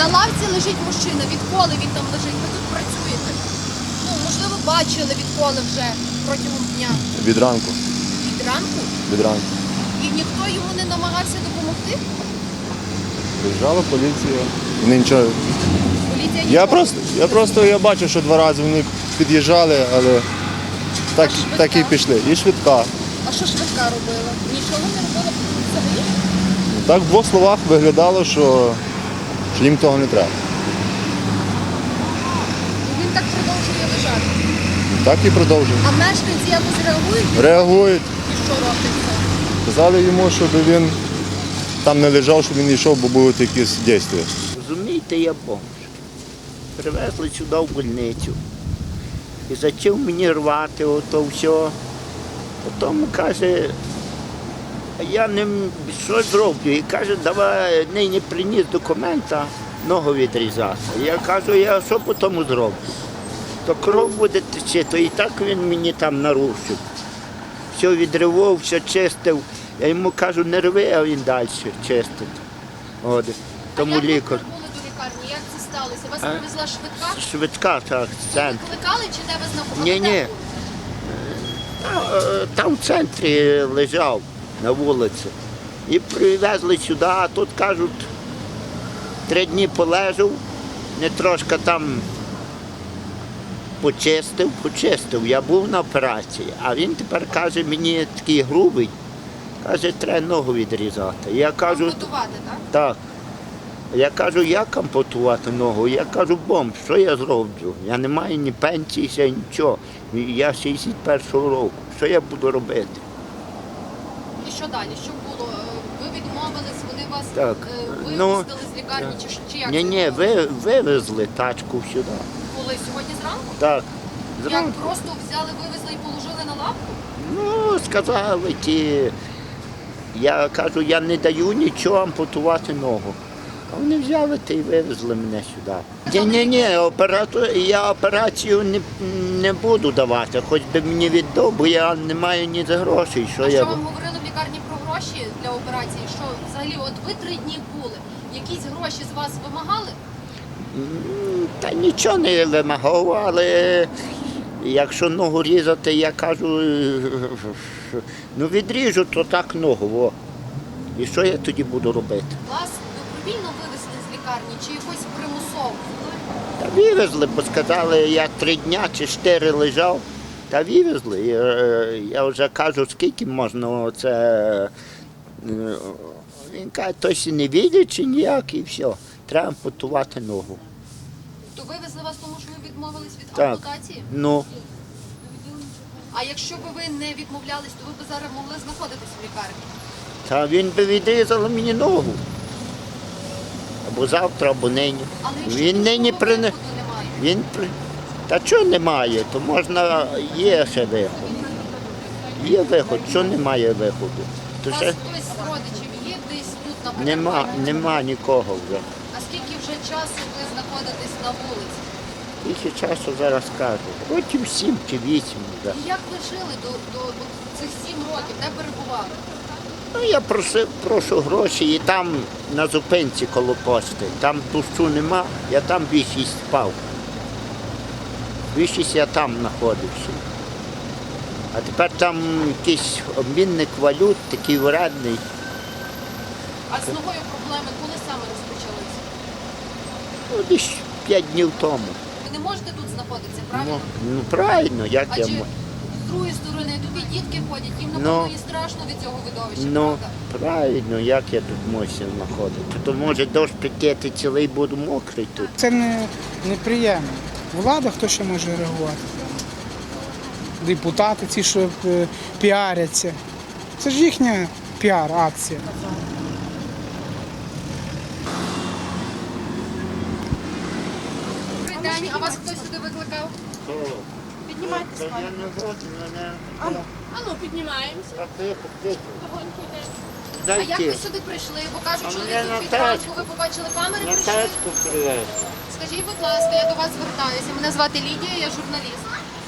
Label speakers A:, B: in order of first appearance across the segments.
A: лавці лежить мужчина. Відколи він там лежить? Ви тут працюєте? Ну, можливо, бачили відколи вже протягом дня.
B: Від ранку.
A: Від ранку?
B: Від ранку.
A: І ніхто йому не намагався допомогти?
B: Приїжджала поліція. Вони нічого.
A: Поліція
B: Я просто бачив, що 2 рази вони під'їжджали, але так і пішли. І швидка.
A: А що швидка робила? Нічого не робила взагалі?
B: Так в 2 словах виглядало, що їм того не треба.
A: І він так продовжує лежати.
B: Так і продовжує.
A: А мешканці якось реагують?
B: Реагують.
A: І що робиться?
B: Сказали йому, щоб він там не лежав, щоб він йшов, бо будуть якісь дії.
C: Розумієте, я бомж. Привезли сюди в больницю. І почав мені рвати ото все. Потім каже, я не що зроблю. І каже, давай нині приніс документа, ногу відрізати. Я кажу, я що по тому зроблю? То кров буде тече, то і так він мені там нарушив. Все відривав, все чистив. Я йому кажу, не рви, а він далі чистить. От. Тому
A: як ви
C: лікар.
A: прибули до лікарні? Як це сталося? Вас привезла швидка?
C: Швидка, так,
A: Ви
C: центр.
A: викликали чи де ви знаходитесь?
C: Ні. Там в центрі лежав на вулиці. І привезли сюди, а тут кажуть, 3 дні полежав, не трошки там почистив. Я був на операції, а він тепер каже, мені такий грубий, каже, треба ногу відрізати. Я кажу,
A: Ампутувати, так?
C: так. Я кажу, як ампутувати ногу? Я кажу, бомб, що я зроблю? Я не маю ні пенсії, ще нічого. Я 61-го року. Що я буду робити?
A: І що далі? Що було? Ви відмовились, вони вас
C: Так.
A: випустили з лікарні чи як?
C: Ні,
A: це було?
C: вивезли тачку сюди.
A: Коли? Сьогодні зранку?
C: Так.
A: Як
C: Зранку.
A: просто взяли, вивезли і положили на лавку?
C: Ну, сказали ті. Я кажу, я не даю нічого ампутувати ногу. А вони взяли та й вивезли мене сюди. Ні, я операцію не буду давати, хоч би мені віддав, бо я не маю ні за грошей.
A: А що вам говорили в лікарні про гроші для операції? Що взагалі, от ви 3 дні були, якісь гроші з вас вимагали?
C: Та нічого не вимагав, але якщо ногу різати, я кажу, ну відріжу, то так ногу. О. І що я тоді буду робити?
A: Вас добровільно вивезли з лікарні чи якось примусово?
C: Та вивезли, бо сказали, я 3 дня чи 4 лежав, та вивезли. Я вже кажу, скільки можна це. Він каже, тось не видить чи ніяк, і все. Треба ампутувати ногу.
A: То вивезли вас, тому що ви відмовились від
C: Так.
A: ампутації?
C: Ну,
A: А якщо б ви не відмовлялись, то ви б зараз могли знаходитись в лікарні?
C: та він би відрізав мені ногу. Або завтра, або нині.
A: Але якщо
C: Він нині
A: іншого
C: прине.
A: виходу немає?
C: Та чого немає, то можна, є ще виход. Є виход, що немає виходу.
A: У
C: То
A: вас
C: ще
A: хтось з родичів є десь тут на
C: нема нікого вже.
A: А скільки вже часу ви знаходитесь на вулиці?
C: Скільки часу зараз кажу. Років 7 чи 8 вже.
A: І як ви жили до цих 7 років? Де перебували?
C: Ну, я прошу гроші і там на зупинці коло пошти. Там дощу нема, я там більшість спав. Більшість я там знаходився. А тепер там якийсь обмінник валют, такий вредний.
A: А з ногою проблеми коли саме розпочалися?
C: Ну, десь 5 днів тому.
A: Ви не можете тут знаходитися, правильно?
C: Ну правильно, як я
A: Адже
C: можу.
A: з другої сторони тобі дітки ходять, їм
C: Ну.
A: напевно і страшно від цього видовища,
C: Ну,
A: правда?
C: правильно, як я тут можу знаходити? То може дощ прикети цілий буду мокрий тут.
D: Це неприємно. Влада хто ще може реагувати? Депутати, ці, що піаряться. Це ж їхня піар-акція.
A: Добрий день, а вас хтось сюди викликав? Піднімайтеся,
C: Я
A: пане.
C: не годен, мене.
A: Ану, піднімаємося. А як
C: Дайте.
A: ви сюди прийшли? Бо кажуть,
C: А
A: що
C: мене
A: ви
C: на
A: тут від ранку,
C: тачку.
A: ви побачили камери,
C: На
A: прийшли?
C: тачку привез.
A: Скажіть, будь ласка, я до вас звертаюся. Мене звати Лідія, я журналіст.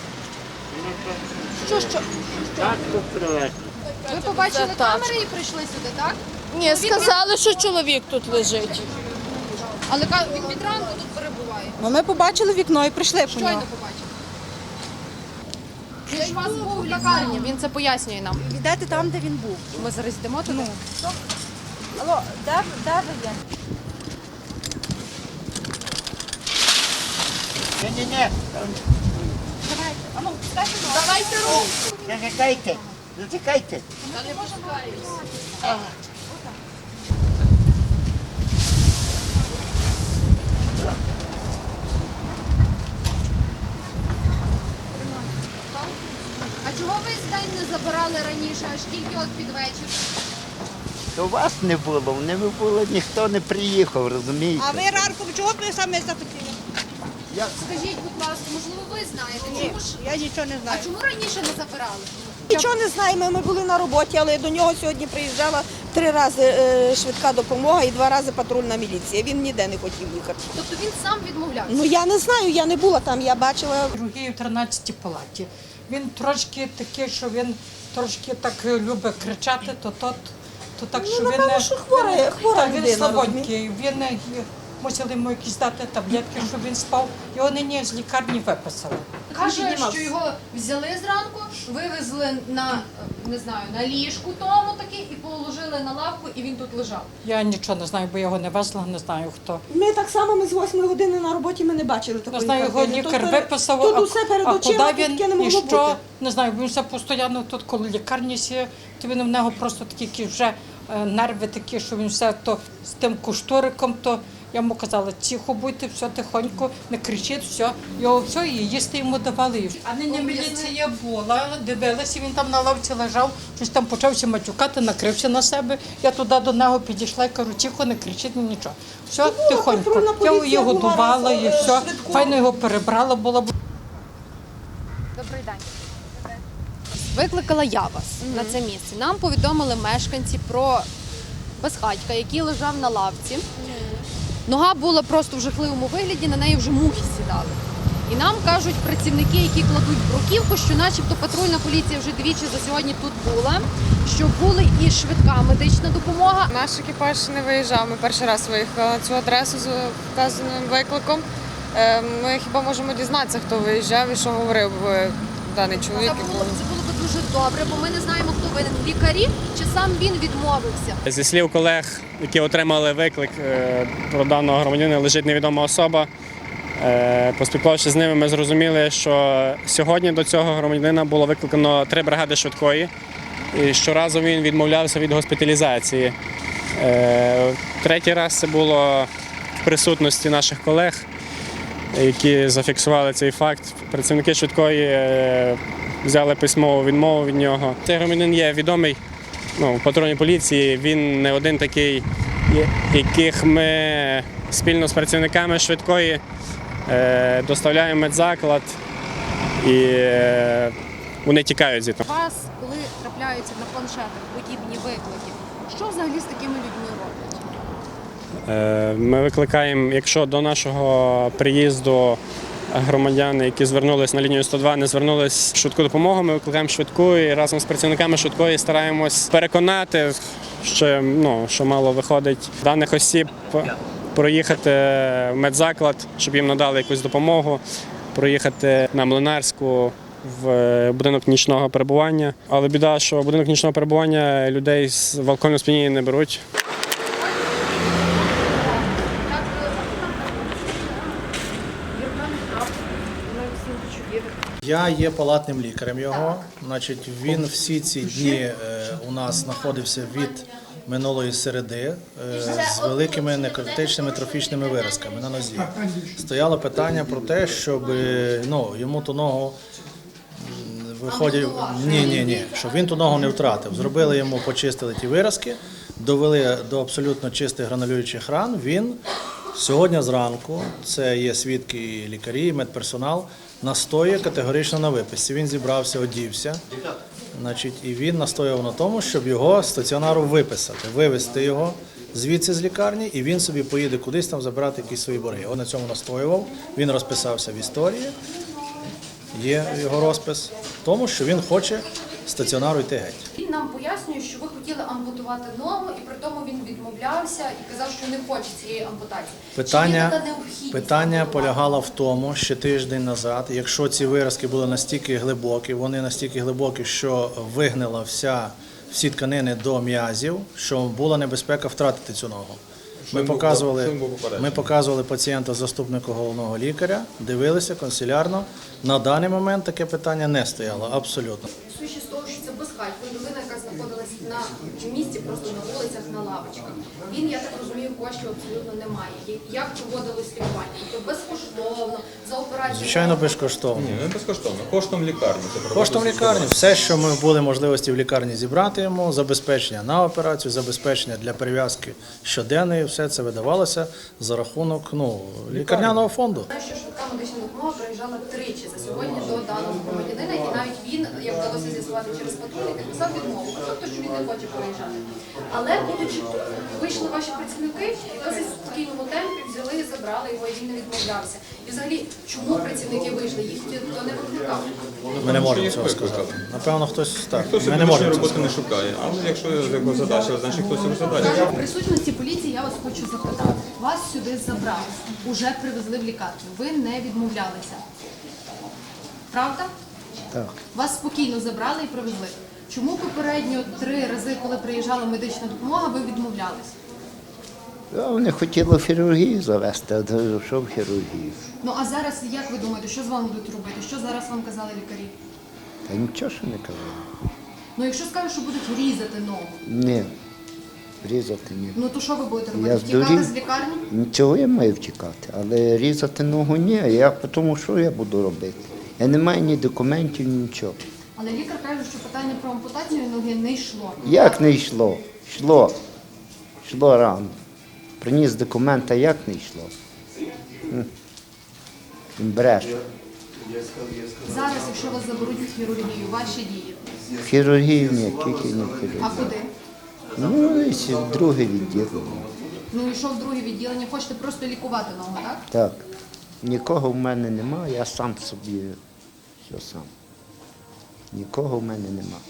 A: Що?
C: Тачку привез.
A: Ви побачили
E: Це
A: камери і прийшли сюди, так?
E: Ні, сказали, що чоловік тут лежить.
A: Але він від ранку тут перебуває.
E: Ну, ми побачили вікно і прийшли по
A: Щойно
E: нього.
A: побачив. Він ж у вас був в лікарні, він це пояснює нам.
E: Йдете там, де він був.
A: Ми зараз йдемо туди.
E: Алло, де ви є?
C: Ні-ні-ні,
E: Ану, скажи,
A: Давайте руку.
C: зачекайте, зачекайте.
A: Та не пошукаюсь. А чого ви з день не забирали раніше, аж тільки от під вечір?
C: То вас не було, не було, ніхто не приїхав, розумієте?
E: А ви ранком чого б ви саме захотіли?
A: Скажіть, будь ласка, можливо, ви знаєте, чому ж?
E: Я нічого не
A: А
E: знаю.
A: чому раніше не забирали?
E: Нічого не знаємо, ми були на роботі, але до нього сьогодні приїжджала 3 рази швидка допомога і 2 рази патрульна міліція. Він ніде не хотів їхати.
A: Тобто він сам відмовлявся?
E: Ну я не знаю, я не була там, я бачила.
F: Другий в 13 палаті. Він трошки такий, що він трошки так любить кричати, то так, що він
E: напевно, що хвора
F: так, він
E: людина,
F: слабонький. Він мусили йому якісь дати таблетки, щоб він спав. Його нині з лікарні виписали.
A: Каже, що його взяли зранку, вивезли на, не знаю, на ліжку тому таки і положили на лавку, і він тут лежав.
F: Я нічого не знаю, бо його не везла, не знаю хто.
E: Ми так само, ми з 8 години на роботі, ми не бачили
F: Не
E: такої
F: знаю, його
E: картини.
F: лікар
E: Тут
F: виписав,
E: Тут усе перед
F: а
E: очима,
F: куди
E: тут таке не
F: він і
E: могло
F: що,
E: бути.
F: не знаю, він все постійно тут, коли лікарні сіє, то він в нього просто такі вже нерви такі, що він все то з тим куштуриком, то я йому казала, тихо будьте, все тихонько, не кричіть, все. Його все, і їсти йому давали. А нині міліція була, дивилася, він там на лавці лежав, щось там почався матюкати, накрився на себе. Я туди до нього підійшла і кажу, тихо, не кричіть, нічого. Все,
E: патрульна
F: тихонько. Я
E: поліція
F: його
E: була
F: годувала
E: раз,
F: і все.
E: швидко.
F: Файно його перебрала була.
A: Добрий день. Викликала я вас на це місце. Нам повідомили мешканці про безхатька, який лежав на лавці. Нога була просто в жахливому вигляді, на неї вже мухи сідали. І нам кажуть працівники, які кладуть бруківку, що начебто патрульна поліція вже двічі за сьогодні тут була, що була і швидка медична допомога.
G: Наш екіпаж не виїжджав. Ми перший раз виїхали на цю адресу з вказаним викликом. Ми хіба можемо дізнатися, хто виїжджав і що говорив даний чоловік.
A: Це було б дуже добре, бо ми не знаємо, хто винен. Лікарі чи сам він відмовився.
H: Зі слів колег, які отримали виклик про даного громадянина, лежить невідома особа. Поспілкувавшись з ними, ми зрозуміли, що сьогодні до цього громадянина було викликано 3 бригади швидкої, і щоразу він відмовлявся від госпіталізації. Третій раз це було в присутності наших колег, які зафіксували цей факт. Працівники швидкої взяли письмову відмову від нього. Цей громадянин є відомий в патрульній поліції, він не один такий, яких ми спільно з працівниками швидкої доставляємо в медзаклад і вони тікають звідти.
A: У вас, коли трапляються на планшетах подібні виклики, що взагалі з такими людьми роблять?
H: Ми викликаємо, якщо до нашого приїзду громадяни, які звернулись на лінію 102, не звернулись в швидку допомогу, ми викликаємо швидку і разом з працівниками швидкої стараємось переконати, що мало виходить даних осіб, проїхати в медзаклад, щоб їм надали якусь допомогу, проїхати на Млинарську в будинок нічного перебування. Але біда, що в будинок нічного перебування людей в алкогольному сп'янінні не беруть.
I: Я є палатним лікарем його. Значить, він всі ці дні у нас знаходився від минулої середи з великими некротичними трофічними виразками на нозі. Стояло питання про те, щоб йому ту ногу виходить. Ні, щоб він ту ногу не втратив. Зробили йому, почистили ті виразки, довели до абсолютно чистих гранулюючих ран. Він сьогодні зранку, це є свідки і лікарі, і медперсонал, настоює категорично на виписці. Він зібрався, одівся, і він настоював на тому, щоб його з стаціонару виписати, вивезти його звідси з лікарні, і він собі поїде кудись там забирати якісь свої борги. Він на цьому настоював, він розписався в історії, є його розпис, тому що він хоче з стаціонару йти геть.
A: Він нам пояснює, що ви хотіли ампутувати ампутувати ногу, і при тому він відмовлявся і казав, що не хоче цієї ампутації. Чи є
I: Питання,
A: така необхідність
I: питання
A: ампутувати?
I: полягало в тому, що тиждень назад, якщо ці виразки були настільки глибокі, вони настільки глибокі, що вигнила всі тканини до м'язів, що була небезпека втратити цю ногу. Ми показували пацієнта заступнику головного лікаря, дивилися консилярно. На даний момент таке питання не стояло, абсолютно.
A: Судячи з того, що це безхатько, людина, яка знаходилась на місці, просто на вулицях, на лавочках. Він, я так розумію, коштів абсолютно немає. Як проводилось лікування? Тобто безкоштовно, за операцію?
I: Звичайно, безкоштовно.
J: Ні, не безкоштовно. Коштом лікарні.
I: Коштом лікарні. Все, що ми були можливості в лікарні зібрати йому, забезпечення на операцію, забезпечення для перев'язки щоденної, все це видавалося за рахунок лікарняного фонду.
A: Знаю, що швидка медична допомога приїжджала тричі за сьогодні до даного громадянина, і навіть він, як вдалося з'ясувати через патрульника, написав відмову, тобто, що він не хоче проїжджати. Але, будучи тут, вийшли ваші працівники і досить в спокійному темпі взяли і забрали його, і він не відмовлявся. І взагалі, чому працівники вийшли? Їх ніхто не викликав?
I: Ми не можемо цього сказати. Напевно, хтось так.
J: Хтось
I: Ми не можемо цього
J: роботи
I: сказати.
J: не шукає, але якщо його задача, значить хтось його задача.
A: В присутності поліції я вас хочу запитати. Вас сюди забрали, уже привезли в лікарню. Ви не відмовлялися. Правда?
C: Так.
A: Вас спокійно забрали і привезли. Чому попередньо 3 рази, коли приїжджала медична допомога, ви відмовлялись?
C: Вони хотіли хірургію завести, а що в хірургію?
A: Ну а зараз, як ви думаєте, що з вами будуть робити? Що зараз вам казали лікарі?
C: Та нічого що не казали.
A: Ну якщо скажуть, що будуть різати ногу,
C: Ні, різати ні.
A: ну то що ви будете
C: Я
A: робити? Втікати
C: здурів.
A: з лікарні?
C: Нічого я маю втікати, але різати ногу ні. Я тому що я буду робити? Я не маю ні документів, ні нічого.
A: Але лікар каже, що питання про ампутацію ноги не йшло.
C: Як не йшло? Йшло. Йшло рано. Приніс документи, як не йшло? Він бреше.
A: Зараз, якщо вас заберуть в хірургію, ваші дії.
C: В хірургію ні, тільки не в
A: А
C: хірургію.
A: куди?
C: Ну, і в друге відділення.
A: Ну і що в друге відділення? Хочете просто лікувати ногу, так?
C: Так. Нікого в мене немає, я сам собі все сам. Нікого в мене немає.